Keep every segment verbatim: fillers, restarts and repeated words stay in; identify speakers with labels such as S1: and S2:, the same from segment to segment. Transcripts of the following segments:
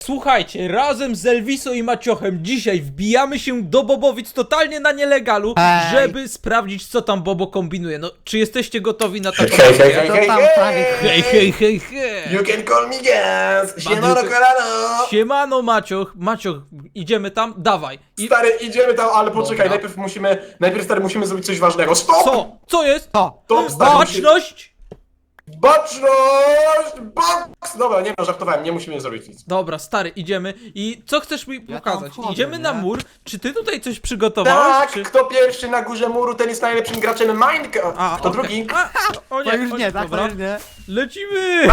S1: Słuchajcie, razem z Elviso i Maciochem dzisiaj wbijamy się do Bobowic totalnie na nielegalu,
S2: Hej.
S1: żeby sprawdzić, co tam Bobo kombinuje. No, czy jesteście gotowi na taką
S3: Hej, hej,
S1: akcję?
S3: hej,
S2: To
S3: hej,
S2: tam prawie-
S1: Hej, hej, hej, hej!
S3: You can call me Gans! Siemano,
S1: Bandyty.
S3: kolano!
S1: Siemano, Macioch. Macioch, idziemy tam? Dawaj. I...
S3: Stary, idziemy tam, ale poczekaj,
S1: Dobra.
S3: najpierw musimy, najpierw stary, musimy zrobić coś ważnego. Stop!
S1: Co? Co jest?
S2: To!
S3: Stop, stary, musimy-
S1: Baczność!
S3: Baczność! Box! Dobra, nie no, żartowałem, nie musimy zrobić nic.
S1: Dobra, stary, idziemy. I co chcesz mi
S2: Ja
S1: pokazać?
S2: tam wchodzę,
S1: Idziemy na
S2: nie?
S1: mur. Czy ty tutaj coś przygotowałeś?
S3: Tak,
S1: Czy...
S3: kto pierwszy na górze muru, ten jest najlepszym graczem Minecraft.
S1: A,
S3: Kto
S1: okej.
S3: drugi?
S1: A, o nie,
S2: To już
S1: o
S2: nie, tak?
S1: dobra.
S2: To już nie.
S1: Lecimy!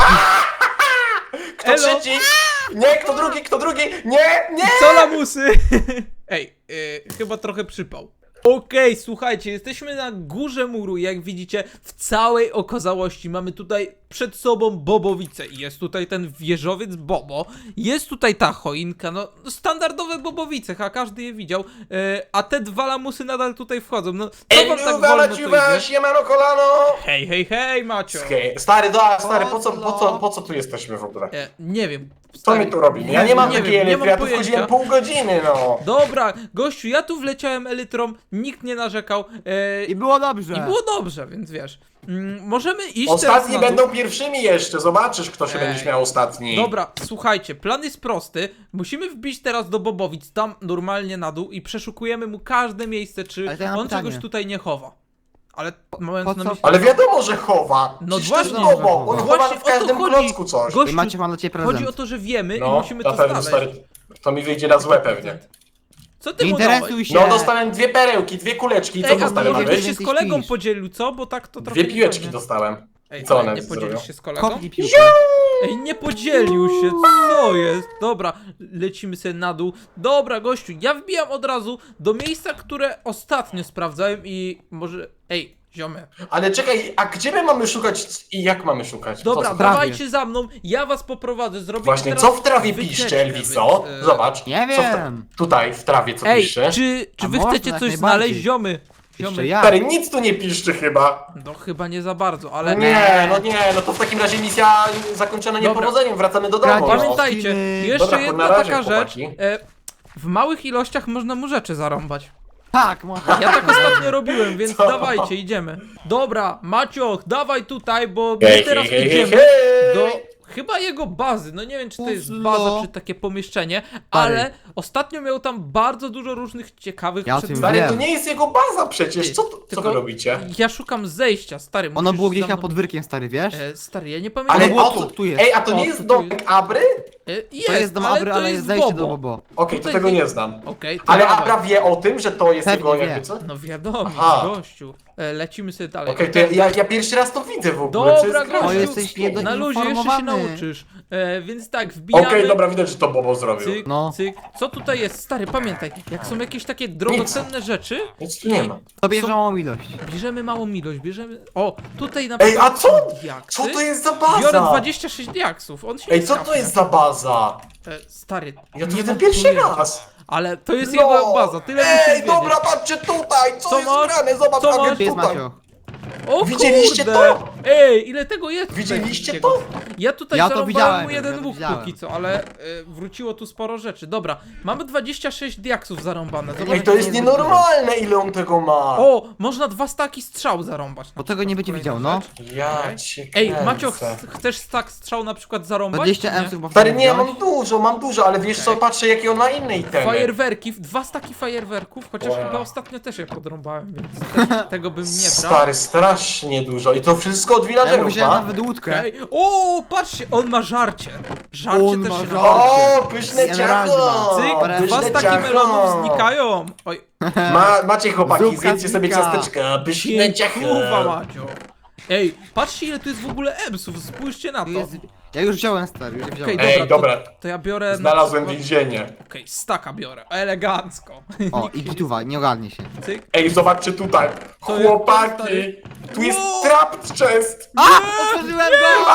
S3: Kto
S1: Elo.
S3: trzeci? Nie, kto drugi, kto drugi? Nie, nie!
S1: Co lamusy? Ej, yy, chyba trochę przypał. Okej, słuchajcie, jesteśmy na górze muru, jak widzicie, w całej okazałości mamy tutaj przed sobą Bobowice. Jest tutaj ten wieżowiec Bobo, jest tutaj ta choinka, no standardowe Bobowice, a każdy je widział, yy, a te dwa lamusy nadal tutaj wchodzą, no co
S3: Ej,
S1: wam tak
S3: luwa,
S1: wolno to
S3: laciwa,
S1: idzie?
S3: siemano, kolano!
S1: Hej, hej, hej, Macio!
S3: Hej, stary, da, stary, po co, po co, po co tu jesteśmy w ogóle?
S1: E, nie wiem.
S3: Co
S1: stary,
S3: my tu robimy? Ja nie mam
S1: nie
S3: takiej
S1: wiem, nie
S3: elektry, ja
S1: mam
S3: tu wchodziłem
S1: pojęcia.
S3: pół godziny, no.
S1: Dobra, gościu, ja tu wleciałem elytrą, nikt nie narzekał e,
S2: I było dobrze.
S1: i było dobrze, więc wiesz. Mm, możemy iść teraz
S3: Ostatni
S1: na dół.
S3: będą pierwszymi jeszcze, zobaczysz kto się
S1: Ej.
S3: będzie śmiał ostatni.
S1: Dobra, słuchajcie, plan jest prosty. Musimy wbić teraz do Bobowic, tam normalnie na dół i przeszukujemy mu każde miejsce, czy
S2: Ale to ja mam
S1: on
S2: pytanie.
S1: czegoś tutaj nie chowa. Ale mając
S2: po
S1: na
S2: co-
S1: myśli...
S3: Ale wiadomo, że chowa.
S1: No
S3: Przecież to jest
S1: właśnie,
S3: Bobo, on
S1: właśnie
S3: chowa w
S1: o to
S3: każdym
S1: chodzi.
S3: klocku coś.
S1: Gościu,
S2: I Macie, mam dla ciebie prezent.
S1: chodzi o to, że wiemy i
S3: No,
S1: musimy
S3: na
S1: to
S3: pewno,
S1: znaleźć.
S3: stary, to mi wyjdzie na złe pewnie.
S1: Co ty
S2: Nie
S1: mu dałeś?
S2: interesuj się.
S3: No, dostałem dwie perełki, dwie kuleczki, co
S1: Ej, a
S3: dostałem
S1: może
S2: nawet?
S1: byś się z
S2: Ty
S1: kolegą
S2: śpisz.
S1: podzielił, co? Bo tak to trochę
S3: Dwie piłeczki
S1: niefajnie.
S3: dostałem.
S1: Ej,
S3: Co
S1: ale
S3: one
S1: nie
S3: zrobią?
S1: podzielisz się z kolegą?
S2: Kopnij piłkę.
S1: Ej, nie podzielił się, co jest? Dobra, lecimy sobie na dół. Dobra, gościu, ja wbijam od razu do miejsca, które ostatnio sprawdzałem i może... Ej, ziomy.
S3: Ale czekaj, a gdzie my mamy szukać i jak mamy szukać?
S1: Dobra,
S3: co, co?
S2: trawie.
S1: dawajcie za mną, ja was poprowadzę, zrobimy
S3: Właśnie,
S1: teraz
S3: co w trawie
S1: wycieczkę,
S3: piszcze, Elviso?
S1: więc, e,
S3: Zobacz.
S2: Nie
S3: Co w tra-
S2: wiem.
S3: Tutaj, w trawie, co
S1: Ej,
S3: pisze?
S1: czy, czy
S2: A
S1: wy
S2: można,
S1: chcecie
S2: jak
S1: coś
S2: najbardziej.
S1: znaleźć, ziomy?
S2: Jeszcze
S1: Ziomy.
S2: ja.
S3: Stary, nic tu nie piszczy chyba.
S1: No chyba nie za bardzo, ale...
S3: Nie, no nie, no to w takim razie misja zakończona
S1: Dobra.
S3: niepowodzeniem, wracamy do domu.
S2: Kradzież.
S3: No.
S1: Pamiętajcie,
S2: Skiny.
S1: jeszcze
S3: Dobra,
S1: jedna
S3: na razie,
S1: taka rzecz.
S3: chłopaki.
S1: E, w małych ilościach można mu rzeczy zarąbać.
S2: Tak, można.
S1: Ja tak ostatnio robiłem, więc
S3: Co?
S1: dawajcie, idziemy. Dobra, Macioch, dawaj tutaj, bo
S3: Hej,
S1: my teraz
S3: hej, hej,
S1: idziemy
S3: hej.
S1: do chyba jego bazy. No nie wiem, czy to jest
S2: Puzzlo.
S1: baza, czy takie pomieszczenie, ale ostatnio miał tam bardzo dużo różnych ciekawych
S2: Ja o tym
S1: przedmiotów.
S3: Stary, to
S2: Wiem.
S3: nie jest jego baza przecież,
S1: Ty,
S3: co, co
S1: tylko
S3: wy robicie?
S1: Ja szukam zejścia, stary.
S2: Ono
S1: musisz
S2: było
S1: za
S2: gdzieś na
S1: mną-
S2: podwórkiem, stary, wiesz?
S1: E, stary, ja nie pamiętam.
S3: Ale
S2: Ono było
S3: o
S2: tu,
S3: co?
S2: tu jest.
S3: Ej, a to
S1: O,
S3: nie
S1: tu
S3: jest
S1: tu
S3: domek Abry?
S1: E, jest,
S2: To jest dom Abry, ale jest zejście do Bobo.
S3: Okej, to
S1: Tutaj
S3: tego
S1: nie-
S3: nie znam.
S1: Okej, to
S3: Ale
S1: dawaj.
S3: Abra wie o tym, że to jest
S2: Pewnie
S3: jego
S2: wie.
S3: jakby co?
S1: No wiadomo,
S3: Aha.
S1: gościu. E, lecimy sobie dalej.
S3: Okej, to ja, ja, ja pierwszy raz to widzę w ogóle. co
S1: Dobra,
S3: jest grane?
S2: O,
S1: gościu.
S2: jesteś niedo-
S1: Na luzie jeszcze się
S2: informowany.
S1: nauczysz. E, więc tak, wbijamy.
S3: Okej, dobra, widać, że to Bobo zrobił.
S1: Cyk,
S2: No.
S1: cyk. Co tutaj jest? Stary, pamiętaj, jak są jakieś takie drogocenne rzeczy,
S3: Nic tu nie ma.
S2: To bierze małą ilość.
S1: bierzemy małą ilość, bierzemy... O, tutaj na
S3: Ej,
S1: przykład
S3: a co?
S1: są diaksy.
S3: Co to jest za baza?
S1: Biorę dwadzieścia sześć diaksów, on się
S3: Ej,
S1: nie
S3: co to
S1: skapnie.
S3: jest za baza?
S1: E, stary,
S3: Ja to
S1: nie
S3: widzę
S1: mam
S3: pierwszy
S1: pojęcia.
S3: raz.
S1: Ale to jest
S3: No.
S1: jego baza, tyle musisz
S3: Ej,
S1: wiedzieć.
S3: dobra, patrzcie tutaj, co,
S1: Co
S3: jest
S1: masz?
S3: grane, zobacz,
S1: Co
S3: Agent
S1: masz?
S2: Gdzie jest
S3: tutaj.
S2: Macio?
S1: O
S3: Widzieliście
S1: kurde!
S3: to?
S1: Ej, ile tego jest? tutaj
S3: Widzieliście
S1: wszystkiego?
S3: to?
S1: Ja tutaj
S2: Ja to
S1: zarąbałem
S2: widziałem,
S1: mu jeden
S2: ja to
S1: łuk
S2: widziałem.
S1: póki co, ale y, wróciło tu sporo rzeczy. Dobra, mamy dwadzieścia sześć diaksów zarąbane. Zobacz,
S3: Ej, to
S1: jak
S3: jest
S1: dużo.
S3: nienormalne, ile on tego ma.
S1: O, można dwa staki strzał zarąbać.
S2: Bo tego nie będzie
S1: Kolejna
S2: widział, no.
S1: rzecz.
S3: Ja cię
S1: Ej,
S3: kręcę.
S1: Macio, ch chcesz stak strzał na przykład zarąbać?
S2: dwadzieścia
S1: czy nie?
S2: emsów, bo
S3: Stary,
S2: wtedy
S3: nie,
S2: wziąłeś.
S3: mam dużo, mam dużo, ale wiesz co, patrzę jakie on ma inne itemy.
S1: Fajerwerki, dwa staki fajerwerków, chociaż
S3: Wow.
S1: chyba ostatnio też je podrąbałem, więc te, tego bym nie brał.
S3: Stary, strasznie dużo i to wszystko od
S2: Ja mu
S3: villagerów
S2: wziąłem
S3: ma.
S2: nawet łódkę.
S1: Ej, o, patrzcie, on ma żarcie. Żarcie
S2: On
S1: też
S2: ma
S1: się
S2: żarcie.
S1: nazywa.
S3: O, pyszne
S2: Emeraldy
S3: ciacho!
S2: ma.
S1: Cyk,
S2: Dobra,
S1: dwa
S3: pyszne
S1: staki
S3: ciacho.
S1: melonów znikają. Oj,
S3: Ma, macie chłopaki,
S2: Zupka
S3: zjedzcie sobie
S2: znika.
S3: ciasteczka, pyszne ciacho.
S1: kurwa Macio. Ej, patrzcie ile tu jest w ogóle emsów, spójrzcie na to.
S2: Tu jest... Ja już wziąłem, stary, już wziąłem.
S1: Okej,
S3: Ej,
S1: dobra,
S3: dobra.
S1: To, to ja biorę... na
S3: Znalazłem
S1: przykład-
S3: więzienie.
S1: Okej, staka biorę, elegancko.
S2: O, i gituwa, nie ogarnie się.
S1: Cyk.
S3: Ej, zobaczcie tutaj.
S1: Co jest?
S3: Chłopaki, tu jest
S1: Wow.
S3: trap chest.
S2: A! Otworzyłem go!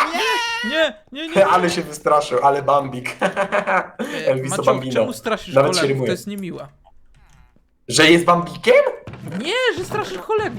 S1: Nie, nie, nie.
S3: Ale się wystraszył, ale Bambik.
S1: E,
S3: Elviso
S1: Macio,
S3: Bambino.
S1: czemu straszysz
S3: Nawet się
S1: kolegów?
S3: rymuje.
S1: To jest niemiłe.
S3: Że jest Bambikiem?
S1: Nie, że straszysz kolegów.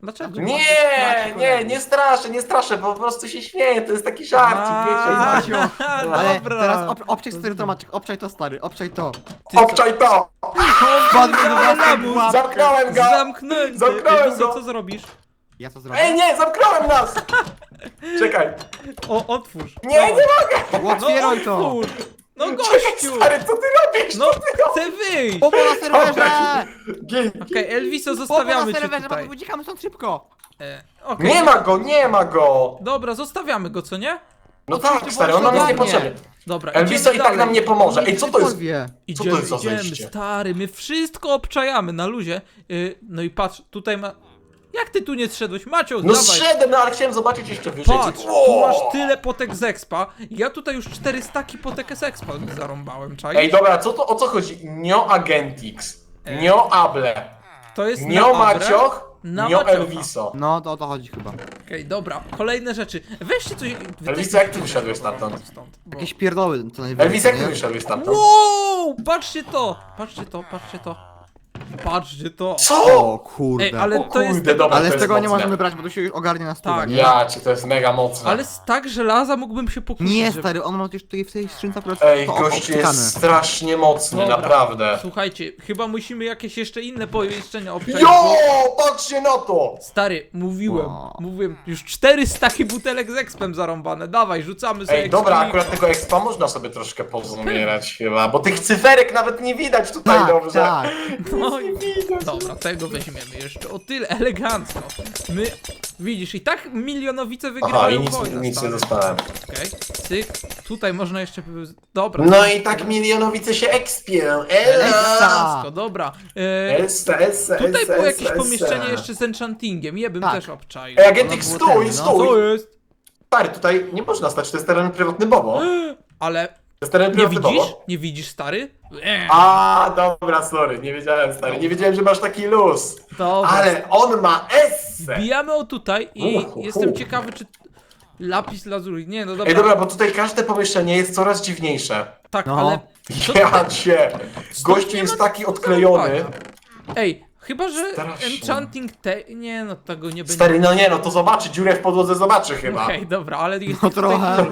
S1: Dlaczego?
S3: Nie, nie, nie straszę, nie straszę, po prostu się śmieję, to jest taki żarcik, wiecie.
S2: Macio. Ale
S1: Dobra.
S2: teraz ob, obczaj stary to Maciek, obczaj to stary, obczaj to.
S1: Ty co?
S3: Obczaj to!
S2: Spadł mi do
S1: Ale
S2: własnej
S1: lamus.
S2: pułapki.
S3: Zamknąłem go!
S1: Zamknąłem cię.
S3: Zamknąłem
S1: Ej, co,
S3: go.
S1: co zrobisz?
S2: Ja co zrobię?
S3: Ej, nie, zamknąłem nas! Czekaj.
S1: O, otwórz.
S3: Nie, nie mogę!
S1: No
S2: Otwieraj to!
S1: otwórz. No
S3: Czekaj,
S1: gościu.
S3: stary, co ty robisz?
S1: No
S3: Co ty robisz?
S1: chcę wyjść.
S2: Bobo na serwerze!
S3: Gin.
S1: Okej, Elviso,
S2: Bobo na
S1: zostawiamy cię
S2: serwerze,
S1: tutaj.
S2: bo uciekamy stąd szybko!
S1: E, okej.
S3: Nie ma go, nie ma go!
S1: Dobra, zostawiamy go, co nie?
S3: No
S2: Oczywiście,
S3: tak, stary, on nam jest
S2: błąd
S3: niepotrzebny.
S1: Dobra,
S3: Elviso
S1: idziemy
S3: i tak
S1: dalej.
S3: nam nie pomoże. Ej, co to jest?
S2: Wie.
S3: Co to
S1: Idziemy,
S3: jest za
S1: idziemy,
S3: zejście?
S1: stary, my wszystko obczajamy na luzie. Yy, no i patrz, tutaj ma... Jak ty tu nie zszedłeś? Macio,
S3: No
S1: dawaj.
S3: zszedłem, no ale chciałem zobaczyć jeszcze wyżej.
S1: Patrz,
S3: Wow.
S1: tu masz tyle potek z expa. Ja tutaj już cztery staki potek z expa zarąbałem, czaj.
S3: Ej, dobra, co to, o co chodzi? Nio Agentix,
S1: E.
S3: Nio Able,
S1: To jest
S3: Nio
S1: na Abrę,
S3: Macioch,
S1: na
S3: Nio
S1: Maciocha.
S3: Elviso.
S2: No to o to chodzi chyba.
S1: Okej, dobra, kolejne rzeczy. Weźcie coś... wy
S3: Elviso,
S1: też-
S3: jak ty wyszedłeś stamtąd?
S1: Stąd, bo...
S2: Jakieś pierdoły co najwyżej.
S3: Elviso, jak ty
S2: nie?
S3: wyszedłeś stamtąd?
S1: Wow! Patrzcie to! Patrzcie to, patrzcie to. Patrzcie to.
S3: Co?
S2: O kurde.
S1: Ej, ale
S3: O
S1: to jest...
S3: kurde, dobra,
S2: Ale
S3: to
S2: z
S3: jest
S2: tego nie
S3: mocne.
S2: możemy brać, bo to się już ogarnie na stówę,
S1: Tak.
S2: nie?
S3: Ja cię, to jest mega mocne.
S1: Ale z tak żelaza mógłbym się pokusić,
S2: Nie
S1: żeby-
S2: stary, on ma już tutaj w tej skrzynce akurat
S3: Ej,
S2: to
S3: gościu
S2: obcykane.
S3: jest strasznie mocny,
S1: Dobra.
S3: naprawdę.
S1: Słuchajcie, chyba musimy jakieś jeszcze inne pomieszczenia obczaić,
S3: Jo,
S1: bo...
S3: patrzcie na to!
S1: Stary, mówiłem,
S2: Wow.
S1: mówiłem, już cztery staki butelek z expem zarąbane, dawaj, rzucamy sobie
S3: Ej, dobra,
S1: expi.
S3: akurat tego expa można sobie troszkę pozumierać chyba, bo tych cyferek nawet nie widać tutaj
S2: Tak,
S3: dobrze.
S2: tak.
S1: No i... Dobra, tego weźmiemy jeszcze, o tyle elegancko. My, widzisz, i tak milionowice wygrywają
S3: Aha, i nic,
S1: wojnę,
S3: nic nie
S1: stary.
S3: dostałem.
S1: Okej, cyk, tutaj można jeszcze... Dobra.
S3: No i tak milionowice się expią. Ela!
S1: Elegancko, dobra. E,
S3: Essa, essa,
S1: tutaj
S3: essa,
S1: było jakieś
S3: essa,
S1: pomieszczenie
S3: essa.
S1: jeszcze z enchantingiem, je bym
S2: Tak.
S1: też obczaił.
S3: Ej, Agentik,
S2: Ono było
S3: stój,
S2: ten, no.
S3: stój!
S1: Co jest?
S3: Stary, tutaj nie można stać, to jest teren prywatny Bobo. To
S1: Ale
S3: jest teren
S1: nie
S3: prywatny
S1: widzisz?
S3: Bobo.
S1: Nie widzisz, stary? Eee,
S3: A, dobra, sorry, nie wiedziałem, stary, nie wiedziałem, że masz taki luz.
S1: dobra.
S3: Ale on ma essę!
S1: Bijamy o tutaj i
S3: Uhu,
S1: jestem
S3: hu.
S1: ciekawy, czy lapis lazuli. Nie, no dobra.
S3: Ej, dobra, bo tutaj każde pomieszczenie jest coraz dziwniejsze.
S1: Tak,
S2: No.
S1: ale. Co-
S3: Ja cię! Gościu
S1: nie
S3: jest
S1: ma
S3: taki odklejony.
S1: Ej, chyba że
S3: Strasznie.
S1: enchanting te. Nie, no tego nie będzie.
S3: Stary, no nie, no to zobaczy, dziurę w podłodze zobaczy chyba.
S1: Okej, dobra, ale jest
S2: No
S1: tutaj-
S2: trochę.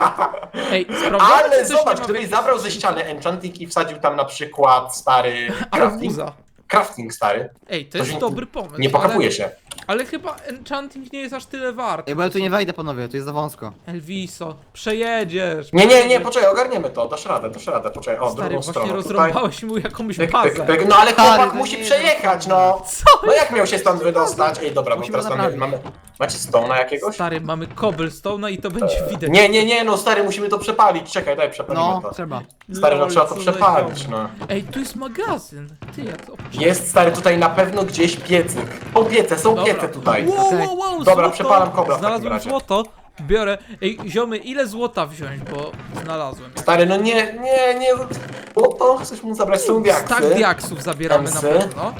S1: Ej, sprawdzamy,
S3: Ale
S1: czy coś nie
S3: zobacz,
S1: ma
S3: gdybyś
S1: jakiejś-
S3: zabrał ze ściany enchanting i wsadził tam na przykład stary crafting.
S1: Arbuza.
S3: Crafting stary.
S1: Ej, to
S3: To
S1: jest
S3: się
S1: dobry pomysł.
S3: Nie pokapuje
S1: ale,
S3: się.
S1: ale chyba enchanting nie jest aż tyle wart.
S2: Ej, bo ja tu nie wejdę panowie, tu jest za wąsko.
S1: Elviso, przejedziesz.
S3: Nie, nie, nie,
S1: przejedziesz.
S3: poczekaj, ogarniemy to, dasz radę, dasz radę, poczekaj, o,
S1: Stary,
S3: drugą
S1: właśnie
S3: stronę, tutaj.
S1: rozrąbałeś mu jakąś
S3: Pyk,
S1: bazę.
S3: pyk, pyk. No ale
S2: Stary,
S3: chłopak
S2: to
S3: musi
S2: nie
S3: przejechać, no!
S1: Co?
S3: No jak miał się stąd wydostać? Ej, dobra, bo
S2: Musimy
S3: teraz mamy,
S2: naprawić.
S3: mamy... Macie stona jakiegoś?
S1: Stary, mamy cobblestone'a i to będzie widać.
S3: Nie, nie, nie, no stary, musimy to przepalić, czekaj, daj, przepalimy
S2: No,
S3: to.
S2: trzeba.
S3: Stary, no
S1: Lol,
S3: trzeba to
S1: co za
S3: przepalić,
S1: ziom.
S3: no.
S1: Ej, tu jest magazyn. Ty, ja to...
S3: Jest, stary, tutaj na pewno gdzieś piecyk. Są piece, są
S1: Dobra.
S3: piece tutaj.
S1: Wow,
S2: Okej.
S1: wow, wow,
S3: Dobra,
S1: złoto.
S3: przepalam kobra w takim
S1: Znalazłem
S3: razie.
S1: złoto, biorę. Ej, ziomy, ile złota wziąć, bo znalazłem.
S3: Stary, no nie, nie, nie, bo to chcesz mu zabrać, są diaksy.
S1: Stak diaksów zabieramy
S3: Emsy.
S1: na pewno.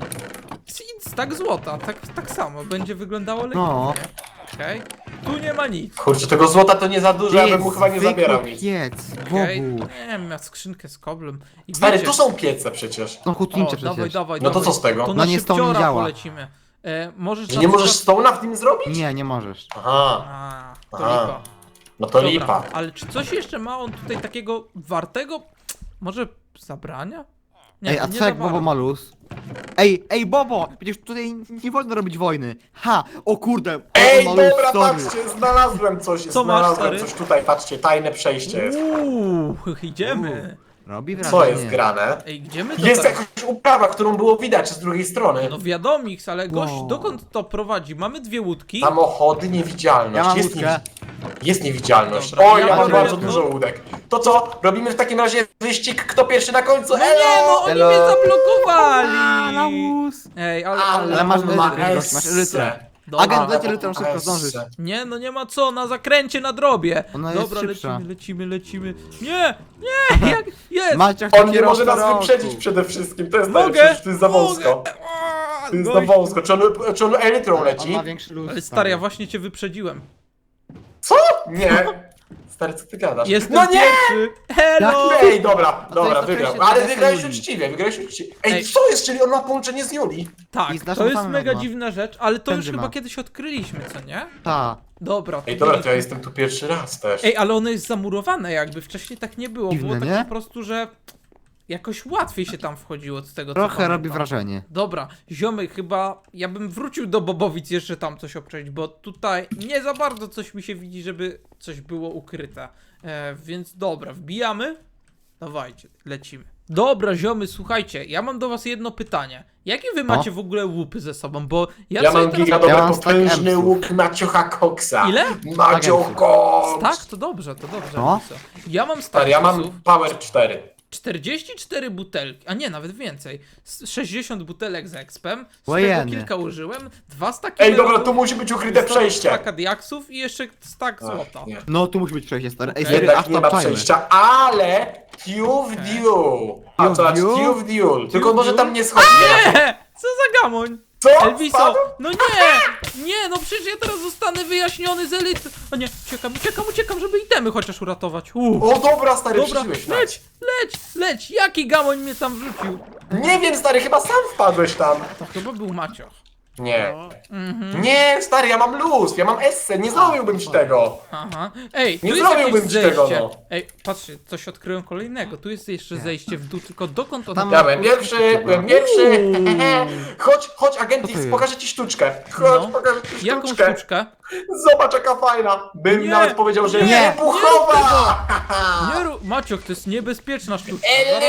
S1: I stak złota, tak, tak samo, będzie wyglądało lepiej.
S2: No.
S1: Okej, tu nie ma nic.
S3: Kurczę, tego złota to nie za dużo, ja bym mu chyba nie
S2: zwykły
S3: zabierał nic.
S2: piec,
S1: Okej,
S2: Bogu.
S1: nie wiem, miał skrzynkę z koblem. I
S3: Stary,
S1: wiecie,
S3: tu są piece przecież.
S2: No
S1: o,
S2: hutnicze
S1: dawaj,
S2: przecież.
S1: dawaj,
S3: No to
S1: dawaj.
S3: co z tego?
S1: To
S2: No
S1: na
S2: nie, stąd nie
S1: szybciora
S2: działa.
S1: polecimy. E, możesz
S3: Że
S1: na
S3: nie możesz
S1: przykład-
S3: stona w tym zrobić?
S2: Nie, nie możesz.
S3: Aha,
S1: A, to
S3: Aha.
S1: lipa.
S3: no to
S1: Dobra,
S3: lipa.
S1: ale czy coś jeszcze ma on tutaj takiego wartego? Może zabrania?
S2: Ej, a
S1: nie
S2: co jak
S1: za
S2: Bobo
S1: bardzo.
S2: ma luz? Ej, ej Bobo! Przecież tutaj nie wolno robić wojny. Ha! O kurde!
S3: Ej,
S2: Bobo ma luz,
S3: dobra,
S2: sorry.
S3: patrzcie, znalazłem coś,
S1: Co masz,
S3: znalazłem
S1: stary?
S3: coś tutaj, patrzcie, tajne przejście jest.
S1: Uuu, idziemy.
S2: Robi wrażenie.
S3: Co jest grane?
S1: Ej, gdzie my to
S3: Jest
S1: teraz?
S3: jakaś uprawa, którą było widać z drugiej strony.
S1: No wiadomiks, ale gość,
S2: Wow.
S1: dokąd to prowadzi? Mamy dwie łódki.
S3: Samochody, niewidzialność.
S2: Ja mam
S3: jest,
S2: łódkę.
S3: jest niewidzialność.
S1: Dobra,
S3: o,
S1: ja
S3: ja mam
S2: mam
S3: bardzo
S1: jedną.
S3: dużo łódek. To co? Robimy w takim razie wyścig, kto pierwszy na końcu?
S1: No nie,
S3: Elo!
S1: no oni
S2: Elo.
S1: mnie
S2: A,
S1: zablokowali.
S2: luz!
S1: Ej, ale,
S3: Ale,
S2: Ale masz
S3: on ma
S2: elytrę, gość, masz elytrę.
S3: essę.
S1: Dobra.
S2: Agent leci litrą, szybko
S3: Essę.
S2: zdążysz.
S1: Nie, no nie ma co, na zakręcie, na drobie.
S2: Ona jest
S1: Dobra,
S2: szybsza.
S1: lecimy, lecimy, lecimy. Nie, nie, jak, jest.
S2: Maciek
S3: On nie może nas
S2: roku.
S3: wyprzedzić przede wszystkim, to jest
S1: Mogę,
S3: najlepsze, to jest za wąsko.
S1: mogę. A,
S3: To jest za
S1: gość.
S3: wąsko, czy on, czy on elytrą
S2: On
S3: leci?
S2: ma większy luz.
S1: Ale stary, ja właśnie cię wyprzedziłem.
S3: Co? Nie. Stary, co ty gadasz?
S1: Jestem
S3: No nie!
S1: pierwszy! Hello!
S3: Ej, dobra,
S2: to
S3: dobra,
S2: jest
S3: wygrał.
S2: oczywiście
S3: Ale
S2: dla
S3: wygrałeś
S2: Julii.
S3: uczciwie, wygrałeś uczciwie. Ej,
S1: Ej.
S3: co jest, czyli on ma połączenie z Julii?
S1: Tak,
S2: I z naszą
S1: to jest
S2: samą
S1: mega
S2: ma.
S1: dziwna rzecz, ale to już
S2: Każdy
S1: chyba
S2: ma.
S1: kiedyś odkryliśmy, co nie?
S2: Ta.
S1: Dobra.
S3: Ej, dobra, to ja
S1: byliśmy-
S3: jestem tu pierwszy raz też.
S1: Ej, ale ono jest zamurowane jakby, wcześniej tak nie było,
S2: Dziwne,
S1: było tak
S2: nie?
S1: po prostu, że jakoś łatwiej się tam wchodziło z tego, co
S2: Trochę robi
S1: pamiętam.
S2: wrażenie.
S1: Dobra, ziomy, chyba ja bym wrócił do Bobowic jeszcze tam coś obczaić, bo tutaj nie za bardzo coś mi się widzi, żeby coś było ukryte. E, więc dobra, wbijamy. Dawajcie, lecimy. Dobra, ziomy, słuchajcie, ja mam do was jedno pytanie. Jakie wy
S2: No.
S1: macie w ogóle łupy ze sobą, bo ja,
S3: Ja
S1: sobie
S3: mam
S1: teraz...
S3: giga dobry,
S2: Ja mam stack
S3: potężny
S2: emsów.
S3: łuk Maciocha Coxa.
S1: Ile?
S3: Macio
S2: emsów.
S3: Cox!
S1: Tak, to dobrze, to dobrze.
S2: No.
S1: Lisa. Ja mam
S3: Stary, ja
S1: statusów.
S3: mam Power cztery.
S1: czterdzieści cztery butelki, a nie, nawet więcej. S- sześćdziesiąt butelek z expem, z tego
S2: Ojeny.
S1: kilka użyłem, dwa staki
S3: Ej, dobra,
S1: melonów,
S3: tu musi być ukryte przejście.
S1: staka diaksów i jeszcze stak
S3: Ach,
S1: złota.
S3: nie.
S2: No tu musi być przejście, stary. Ej,
S1: Okej.
S2: stary,
S3: Jednak
S2: aż
S3: nie
S2: tam
S3: ma
S2: czajmy.
S3: przejścia, ale Q w Duel. A
S2: Q w
S3: to znaczy
S2: Duel?
S3: Q w Duel. Tylko
S1: w
S3: może
S1: Duel?
S3: tam nie schodzi.
S1: Nie! Co za gamoń?
S3: Co?
S1: Elviso!
S3: Spadł?
S1: No nie! Nie, no przecież ja teraz zostanę wyjaśniony z elity. O nie, uciekam, uciekam, uciekam, żeby itemy chociaż uratować. Uuu.
S3: O dobra, stary,
S1: Dobra,
S3: przyszłeś tak.
S1: leć, leć, leć! Jaki gamoń mnie tam wrzucił?
S3: Nie wiem, stary, chyba sam wpadłeś tam.
S1: To chyba był Macioch.
S3: Nie.
S1: Mhm.
S3: Nie, stary, ja mam luz, ja mam esse, nie zrobiłbym ci tego.
S1: Aha. Ej, tu
S3: Nie
S1: jest
S3: zrobiłbym
S1: jakieś
S3: ci tego,
S1: zejście.
S3: no.
S1: Ej, patrzcie, coś odkryłem kolejnego. Tu jest jeszcze zejście w dół, tylko dokąd on...
S2: Tam-
S3: Ja byłem pierwszy, byłem pierwszy.
S1: Uuu.
S3: Chodź, chodź,
S2: Co
S3: Agentix,
S2: to jest?
S3: pokażę ci sztuczkę. Chodź,
S1: No.
S3: pokażę ci
S1: Jaką
S3: sztuczkę.
S1: sztuczkę?
S3: Zobacz, jaka fajna. Bym
S1: Nie,
S3: nawet powiedział, że
S1: nie,
S3: wybuchowa.
S1: Nie rób... Macioch, to jest niebezpieczna sztuczka.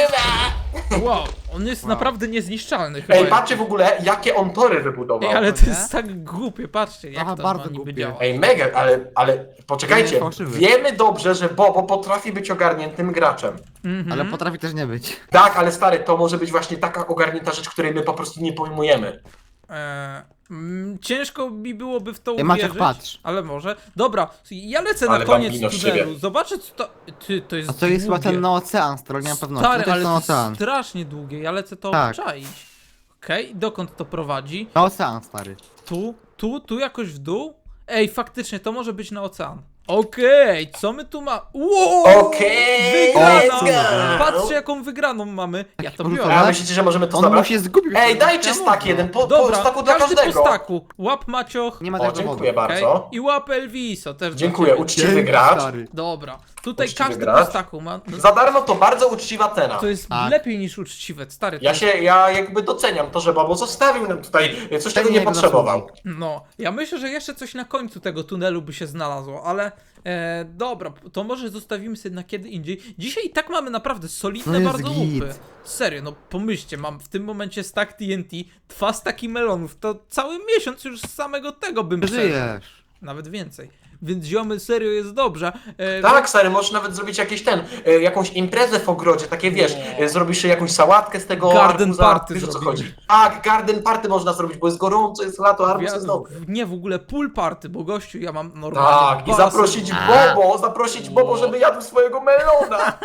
S3: Eluwa.
S1: Wow, on jest naprawdę niezniszczalny chyba.
S3: Ej,
S1: jest.
S3: patrzcie w ogóle, jakie on tory wybudował.
S1: Ej, ale
S2: to
S1: to
S2: nie?
S1: jest tak głupie, patrzcie, jak
S2: Aha,
S1: to
S2: bardzo
S1: ma niby
S2: głupie.
S1: działa.
S3: Ej, mega, ale, ale
S2: Nie,
S3: poczekajcie,
S2: fałszywy.
S3: wiemy dobrze, że Bobo potrafi być ogarniętym graczem.
S1: Mhm.
S2: Ale potrafi też nie być.
S3: Tak, ale stary, to może być właśnie taka ogarnięta rzecz, której my po prostu nie pojmujemy.
S1: Eee, mm, ciężko mi byłoby w to
S2: Ej, Maciek,
S1: uwierzyć,
S2: patrz.
S1: ale może. Dobra, ja lecę
S3: Ale
S1: na koniec
S3: bambino z
S1: tunelu,
S3: siebie.
S1: zobaczę co to... Ty, to jest
S2: A to jest chyba
S1: długie.
S2: ten na ocean, stary, nie mam pewności.
S1: Stary,
S2: No to
S1: ale
S2: jest
S1: to
S2: na
S1: jest
S2: ocean.
S1: strasznie długie, ja lecę to
S2: Tak.
S1: obczaić. Okej, dokąd to prowadzi?
S2: Na ocean, stary.
S1: Tu, tu, tu jakoś w dół? Ej, faktycznie, to może być na ocean. Okej, co my tu ma? Wow!
S3: Okej,
S1: Wygrana!
S2: let's go!
S1: Patrzcie jaką wygraną mamy. Ja to
S2: porzucone.
S1: biorę.
S3: A myślicie, że możemy to
S2: On
S3: zabrać?
S2: mu się zgubił.
S3: Ej, dajcie
S2: Ja
S3: stak
S2: mówię.
S3: jeden, po, po
S1: Dobra,
S3: staku dla
S1: każdy
S3: każdego.
S1: po staku. Łap Macioch.
S2: Nie ma
S3: O,
S2: tego
S3: dziękuję
S2: dowodu.
S1: Okej.
S3: bardzo.
S1: I łap Elviso też. dla
S3: Dziękuję,
S1: ciebie.
S3: uczciwy
S2: Dzięki,
S3: gracz.
S2: stary.
S1: Dobra, tutaj
S3: Uczciwy
S1: każdy
S3: gracz.
S1: po staku ma. No,
S3: Za darmo to bardzo uczciwa cena.
S1: to jest
S2: Tak.
S1: lepiej niż uczciwe, stary. to
S3: Ja
S1: jest-
S3: się, ja jakby doceniam to, że Bobo zostawił nam tutaj coś, czego
S2: Ten
S3: nie
S2: jego
S3: potrzebował.
S2: zasługi.
S1: No, ja myślę, że jeszcze coś na końcu tego tunelu by się znalazło, ale e, dobra, to może zostawimy sobie na kiedy indziej. Dzisiaj i tak mamy naprawdę solidne
S2: No jest
S1: bardzo
S2: git.
S1: łupy. Serio, no pomyślcie, mam w tym momencie stack T N T, dwa staki melonów, to cały miesiąc już z samego tego bym przeżył.
S2: Żyjesz.
S1: Nawet więcej. Więc ziomy, serio jest dobrze. E,
S3: Tak, stary, możesz nawet zrobić jakiś ten, e, jakąś imprezę w ogrodzie, takie wiesz, e, zrobisz jakąś sałatkę z tego
S1: Garden
S3: arbuza,
S1: party
S3: wiesz o co
S1: zrobimy.
S3: chodzi. Tak, garden party można zrobić, bo jest gorąco, jest lato, arbuz
S1: Ja-
S3: jest dobry.
S1: Nie, w ogóle pool party, bo gościu, ja mam normalnie
S3: Tak, i
S1: basen.
S3: zaprosić Bobo, zaprosić Bobo, żeby jadł swojego melona.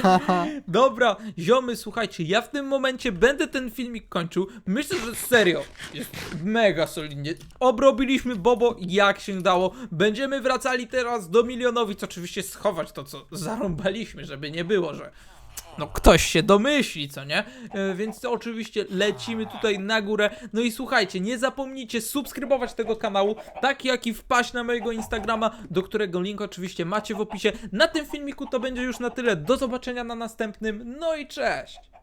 S1: Dobra, ziomy, słuchajcie, ja w tym momencie będę ten filmik kończył. Myślę, że serio jest mega solidnie. Obrobiliśmy Bobo jak się dało. Będziemy wracali teraz do milionowic. Oczywiście schować to, co zarąbaliśmy, żeby nie było, że no ktoś się domyśli, co nie? E, więc to oczywiście lecimy tutaj na górę. No i słuchajcie, nie zapomnijcie subskrybować tego kanału, tak jak i wpaść na mojego Instagrama, do którego link oczywiście macie w opisie. Na tym filmiku to będzie już na tyle. Do zobaczenia na następnym. No i cześć!